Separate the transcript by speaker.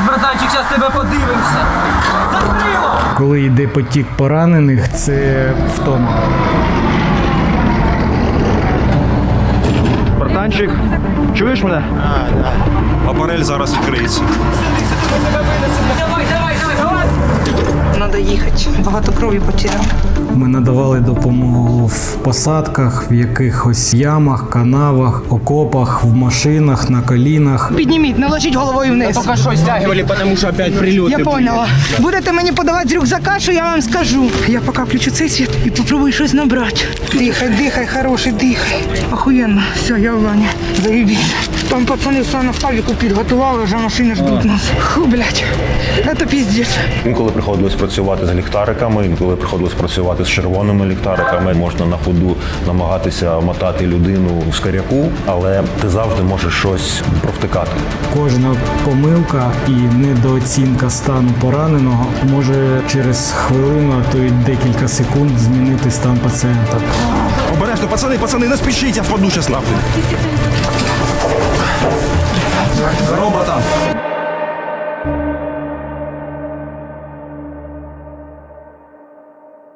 Speaker 1: братанчик, зараз тебе подивимося. Закрило!
Speaker 2: Коли йде потік поранених, це втома.
Speaker 3: Братанчик, чуєш мене?
Speaker 4: Апарель зараз відкриється.
Speaker 1: Давай, давай, давай, давай!
Speaker 5: Надо їхати. Багато крові потеряв.
Speaker 2: Ми надавали допомогу в посадках, в якихось ямах, канавах, окопах, в машинах, на колінах.
Speaker 5: Підніміть, не ложіть головою вниз.
Speaker 1: Только что стягивали, потому что опять прилеты.
Speaker 5: Я поняла. Будете мені подавати з рюкзака, що я вам скажу. Я поки включу цей світ і попробую щось набрати. Дихай, дихай, хороший, дихай. Охуєнно. Все, я в ванні. Заїбісь. Там пацани все на ставіку підготували, вже машини ждуть нас. Фу, блядь. Це піздець.
Speaker 4: Інколи приходилось працювати з ліхтариками, інколи приходилось працювати з червоними ліхтариками. Можна на ходу намагатися мотати людину в скаряку, але ти завжди можеш щось провтикати.
Speaker 2: Кожна помилка і недооцінка стану пораненого може через хвилину, а то й декілька секунд змінити стан пацієнта.
Speaker 4: Обережно, пацани, не спішіть, я впаду щас нахуй. Здорово, братан.